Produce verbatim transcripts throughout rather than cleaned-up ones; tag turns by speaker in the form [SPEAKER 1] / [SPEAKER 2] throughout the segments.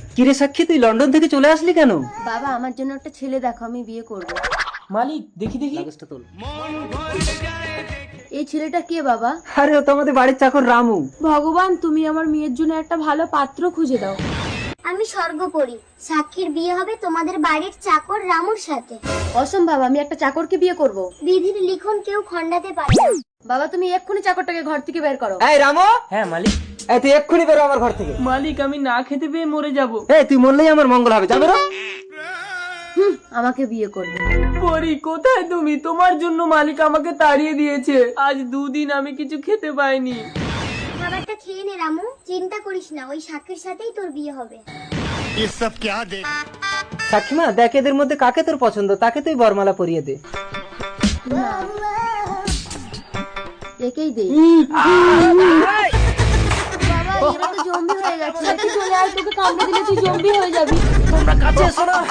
[SPEAKER 1] কিরে সাক্ষী, তুই লন্ডন থেকে চলে আসলি কেন?
[SPEAKER 2] বাবা আমার জন্য একটা ছেলে দেখো, আমি বিয়ে করব।
[SPEAKER 3] মালিক দেখি দেখি।
[SPEAKER 1] লাগেজটা তোল।
[SPEAKER 2] এই ছেলেটা কে বাবা?
[SPEAKER 1] আরে ও তো আমাদের বাড়ির চাকর রামু।
[SPEAKER 2] ভগবান, তুমি আমার মেয়ের জন্য একটা ভালো পাত্র খুঁজে দাও।
[SPEAKER 4] আমি স্বর্গপরী, সাক্ষীর বিয়ে হবে তোমাদের বাড়ির চাকর রামুর সাথে।
[SPEAKER 2] অসম্ভব, আমি একটা চাকরকে বিয়ে করব।
[SPEAKER 4] বিধির লিখন কেউ খণ্ডাতে পারে না।
[SPEAKER 2] বাবা তুমি এক্ষুনি চাকরটাকে ঘর থেকে বের করো।
[SPEAKER 1] এই রামু,
[SPEAKER 3] হ্যাঁ মালিক।
[SPEAKER 1] এই তুই এক্ষুনি বেরো আমার ঘর থেকে।
[SPEAKER 3] মালিক আমি না খেতে পেয়ে মরে যাব।
[SPEAKER 1] এই তুই মরলেই আমার মঙ্গল হবে, যা বেরো।
[SPEAKER 2] হুম, আমাকে বিয়ে করবে।
[SPEAKER 3] পরি কোথায় তুমি? তোমার জন্য মালিক আমাকে তাড়িয়ে দিয়েছে। আজ দুদিন আমি কিছু খেতে পাইনি।
[SPEAKER 4] খাবারটা খেয়ে নে রামু, চিন্তা করিস না, ওই সাক্ষীর সাথেই তোর বিয়ে হবে।
[SPEAKER 5] ये सब क्या देख
[SPEAKER 1] সাক্ষী মা, দেখ এদের মধ্যে কাকে তোর পছন্দ, তাকে তুই বরমালা পরিয়ে দে।
[SPEAKER 2] একেই দেই। বাবা এরা তো জম্বি হয়ে গেছে। তুই চলে আয়, তোকে কামড়ে দিলে তুই জম্বি হয়ে যাবি।
[SPEAKER 1] কাছে এসো না।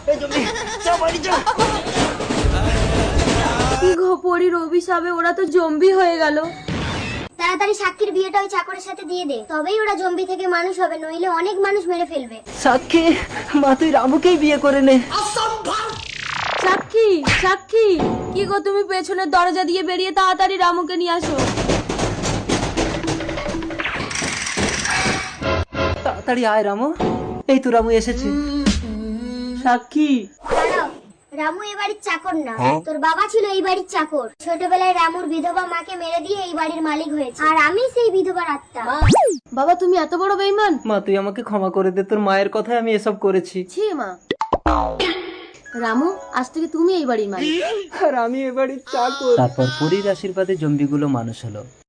[SPEAKER 2] কি গো, পরীর অভিশাপে ওরা তো জম্বি হয়ে গেল।
[SPEAKER 4] তাড়াতাড়ি সাক্ষীর বিয়েটা ওই চাকরের সাথে দিয়ে দে, তবেই ওরা জম্বি থেকে মানুষ হবে, নইলে অনেক মানুষ মেরে ফেলবে।
[SPEAKER 1] সাক্ষী মা, তুই রামুকেই বিয়ে করে নে।
[SPEAKER 2] সাক্ষী, সাক্ষী, কি গো তুমি পেছনের দরজা দিয়ে বেরিয়ে তাড়াতাড়ি রামুকে নিয়ে আসো।
[SPEAKER 1] তাড়াতাড়ি আয় রামু। এই তো রামু এসেছে।
[SPEAKER 3] সাক্ষী।
[SPEAKER 4] দাঁড়াও, রামু এই বাড়ির চাকর না, তোর বাবা ছিল এই বাড়ির চাকর। ছোটবেলায় রামুর বিধবা মাকে মেরে দিয়ে এই বাড়ির মালিক হয়েছে, আর আমি সেই বিধবার আত্মা।
[SPEAKER 2] বাবা তুমি এত বড় বেঈমান।
[SPEAKER 1] মা তুই আমাকে ক্ষমা করে দে, তোর মায়ের কথায় আমি এসব করেছি।
[SPEAKER 2] ছি মা। রামু, আজ থেকে তুমি এই বাড়ির মালিক।
[SPEAKER 1] আর আমি এ বাড়ির চাকর। তারপর পরীর আশীর্বাদে জম্বিগুলো মানুষ হলো।